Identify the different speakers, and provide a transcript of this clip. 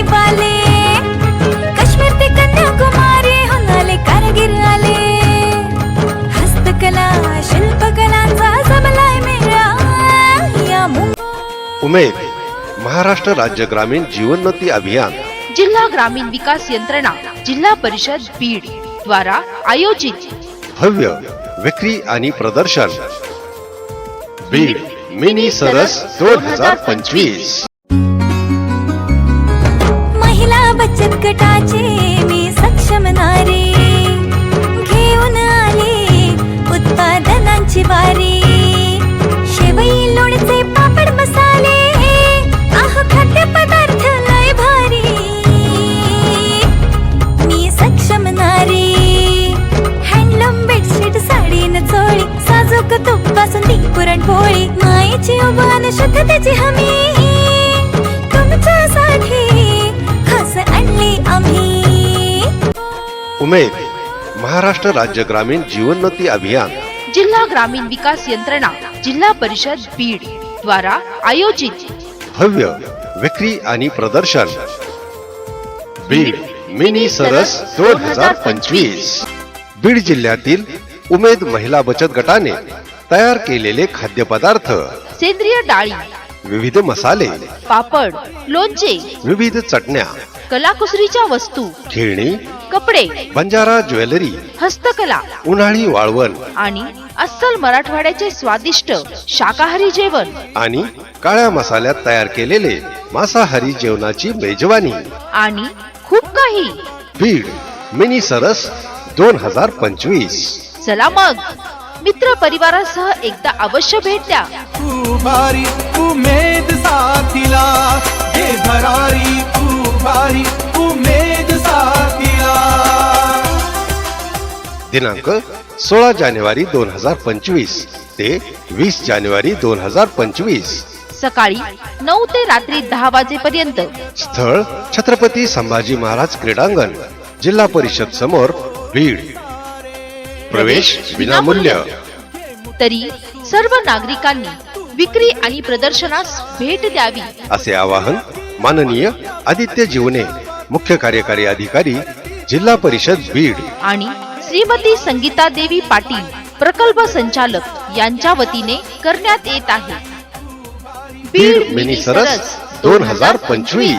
Speaker 1: मोती वाले, काश्मीर ते कन्याकुमारी होणाले कारगिर आले, हस्तकला शिल्पकलांचा जमलाय मेळा या
Speaker 2: उमेद महाराष्ट्र राज्य ग्रामीण जीवनोन्नती अभियान,
Speaker 3: जिल्हा ग्रामीण विकास यंत्रणा, जिल्हा परिषद बीड द्वारा आयोजित
Speaker 2: भव्य विक्री आणि प्रदर्शन बीड मिनी सरस 2025।
Speaker 1: महिला बचत गटाचे मी सक्षम नारी, घेऊन आले उत्पादनांची वारी, शेवई लोणचे पापड मसाले, खाद्य पदार्थ लय भारी, मी सक्षम नारी, हँडलूम बेडशीट साडी न चोळी, साजूक तूप बासुंदी पुरणपोळी, मायेची उभान शुद्धतेची हमी, तुमच्यासाठी खास आणली आम्ही।
Speaker 2: उमेद महाराष्ट्र राज्य ग्रामीण जीवनोन्नती अभियान,
Speaker 3: जिल्हा ग्रामीण विकास यंत्रणा, जिल्हा परिषद बीड द्वारा आयोजित
Speaker 2: भव्य विक्री आणि प्रदर्शन बीड मिनी सरस 2025। बीड जिल्ह्यातील उमेद महिला बचत गटाने तयार केलेले खाद्यपदार्थ,
Speaker 3: सेंद्रिय डाळी,
Speaker 2: विविध मसाले,
Speaker 3: पापड, लोणचे,
Speaker 2: विविध चटण्या,
Speaker 3: कलाकुसरीच्या वस्तू,
Speaker 2: खेळणी,
Speaker 3: कपडे,
Speaker 2: बंजारा ज्वेलरी,
Speaker 3: हस्तकला
Speaker 2: उन्हाळी वाळवण
Speaker 3: आणि अस्सल मराठवाड्याचे स्वादिष्ट शाकाहारी जेवण
Speaker 2: आणि काळ्या मसाल्यात तयार केलेले मांसाहारी जेवणाची मेजवानी
Speaker 3: आणि खूप काही।
Speaker 2: बीड मिनी सरस 2025।
Speaker 3: चला मग मित्र परिवारासह एकदा अवश्य भेट द्या।
Speaker 4: तू भारी उमेद साथीला, हे भरारी तू भारी उमेद साथीला।
Speaker 2: दिनांक 16 जानेवारी 2025 ते 20 जानेवारी 2025।
Speaker 3: सकाळी 9 ते रात्री 10 वाजेपर्यंत।
Speaker 2: स्थळ छत्रपती संभाजी महाराज क्रीडांगण, जिल्हा परिषद समोर, बीड। प्रवेश विनामूल्य।
Speaker 3: तरी सर्व नागरिकांनी विक्री आणि प्रदर्शनास भेट द्यावी
Speaker 2: असे आवाहन माननीय आदित्य जीवने, मुख्य कार्यकारी अधिकारी, जिल्हा परिषद बीड
Speaker 3: आणि श्रीमती संगीता देवी पाटील, प्रकल्प संचालक यांच्या वतीने करण्यात येत आहे।
Speaker 2: बीड मिनी सरस 2025।